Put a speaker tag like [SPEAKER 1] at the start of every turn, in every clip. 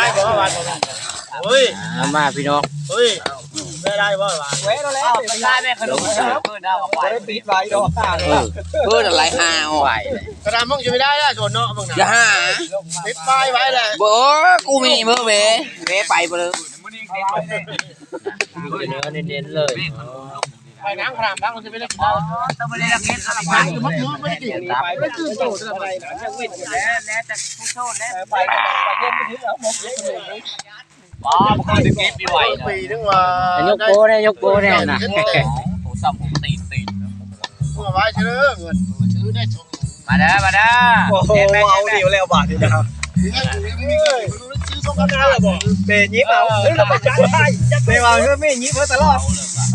[SPEAKER 1] บ่วันเฮ้ย
[SPEAKER 2] มาพี่น้อง
[SPEAKER 1] เฮ้ยไม่ได้บ่วัน
[SPEAKER 3] เว้ยเราแล้วไม่ได้แม่ขนมเพื่อนเอาไว้ปิดไว้ดอกต่าง
[SPEAKER 2] เพื่อนอะไรหาไหว
[SPEAKER 1] กระดามมึงจะไม่ได้แล้วโจนเนาะมึงนะ
[SPEAKER 2] อย่าหา
[SPEAKER 1] ปิดป้ายไว้เลย
[SPEAKER 2] บ่กูมีเมื่อเว้ไปไปเลยเน้นๆเลย
[SPEAKER 1] ไปนั่งครามนั่งมันจะไม่ได้กินแล้ว
[SPEAKER 3] ต้องไม่ได้กินอะไรไป
[SPEAKER 1] มันคือไม่ได้กินไปไม่ตื่นโตอะไร
[SPEAKER 3] จะวิ่งแล้วแต่ผู้โชคแล้วไปเย็นไปถึงแล้วมกเลยอ๋อมันก็ดึงเก็บไปไหว
[SPEAKER 1] ปีนึงว่าย
[SPEAKER 2] กโป้เนี่ยยกโป้เนี่ยนะ
[SPEAKER 3] ผมซ้ำผมตี
[SPEAKER 1] มึงเอาไว้เชื่อเงินซื้อได้ชม
[SPEAKER 3] มาเด้อมาเด้อ
[SPEAKER 1] เอาเดียวแล้วบาทนี่นะครับซื้อส่งกันแล้วบ่เบยยิ้มเอาเราไปจัดให้เบยว่าเรื่องไม่ยิ้มมาตลอด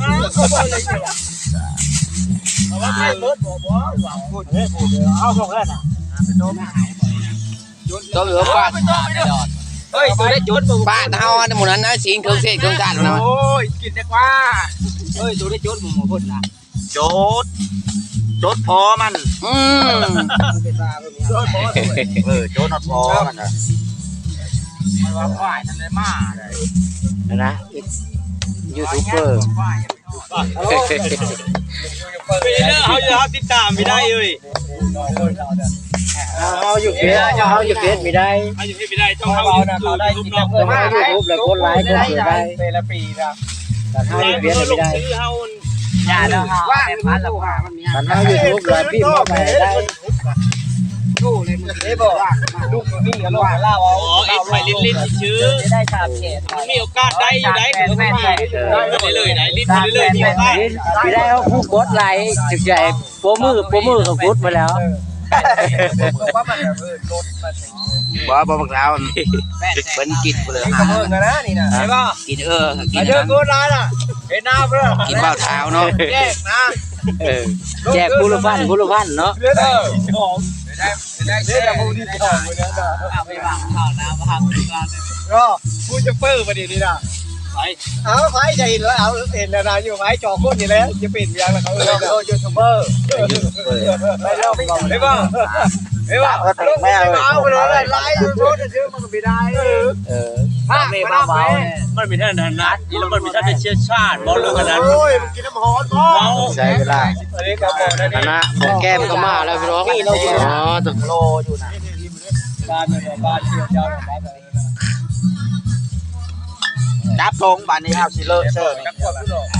[SPEAKER 1] เอาว่าไม่เบิดบ่พูดเอาส่งแล้วน่ะเป็นโตไม่หายบ่
[SPEAKER 2] ตัวเหลือป้า
[SPEAKER 3] เฮ้ยตัวได้จุด
[SPEAKER 2] ป้าเฮาในหมู่นั้นนะสิงเครื่องเทศเครื่องกันนะ
[SPEAKER 3] โอ้ยกินได้กว่าเฮ้ยตัวได้จุดหมู่พุ่นนะ
[SPEAKER 1] จดพอมันจดพอจดพอมันนะ
[SPEAKER 3] มันว่าควายนั่นเลยมา
[SPEAKER 2] นะยูทูบเบอร์
[SPEAKER 1] ไม่ได้เขาติดตามไม่ได้เลย
[SPEAKER 2] เอาอยู่เฟซไม่ได้
[SPEAKER 1] เอาอยู่เฟซไม่ได้ต้องเขาได้กินแล้ว
[SPEAKER 2] ต้องให้ยูทูบแล้วกดไลค์กดแชร์ได้
[SPEAKER 3] เป็นละปีนะ
[SPEAKER 2] แต่ถ้าอยู่เฟซไม่ได้
[SPEAKER 3] อย่าแล้วว่าพันละว่ามันมี
[SPEAKER 2] แต่ถ้ายูทูบแล้วพี่มาไปได้
[SPEAKER 3] ดูเลยมึงได้บอกลูกนี่ก็ลงมาเล่าเอา
[SPEAKER 1] ไอ้ไฟลิ้นชื่อ
[SPEAKER 3] ได้ชาเขต
[SPEAKER 1] มีโอกาสได้อยู่ได้คือไม่ได้เลยไหนลิ้นเลยมีโอกาส
[SPEAKER 2] ไม่ได้เขาผู้กดไลค์ถึงใจโปรมือเขากดมาแล้ว
[SPEAKER 3] ว่ามันรถ
[SPEAKER 2] บ่บักแล้วเป็นกินเลย
[SPEAKER 3] หาเพิ่งนะนี่นะใช่ป่ะ
[SPEAKER 2] กินกิน
[SPEAKER 3] เด้อกูร้านอ่ะเห็นหน้าเพื่อ
[SPEAKER 2] กินเบ้าเท้าเนาะ
[SPEAKER 3] แจกนะ
[SPEAKER 2] แจกบุรุษพันเนาะ
[SPEAKER 3] ได้แต่ผู้ที่สองเลยนะไปวางข่าวน้ำพังก็ผู้จะเปิ้ลประเดี๋ยวนี้นะเอาไฟใจแล้วเอาเห็นแล้วนะอยู่ไฟจอก้นอยู่แล้วจะปิดยังแล้วเขายูทูบเบอร์ไปเริ่มก่อนได้ป่ะได้ป่ะลูกไม่เอาไปเลยไลฟ์โพสต์ชื่อมันไม่ได้
[SPEAKER 1] ถ้าไม่มามันมีท่านนัดนี่แล้วมันมีท่านเชี่ยวชาญบอกเรื่องนั้นโอ้ยกินน้ำหอมก็
[SPEAKER 2] ใช่เวลาคณะของแก้มก็มาแล้วพี่น้อง
[SPEAKER 3] นี่เราอยู่ตึกโลอยู่นะบ้านเที่ยวยาวบ้าน
[SPEAKER 1] จับทงบ้านนี้เอาสิเลอะเชิญ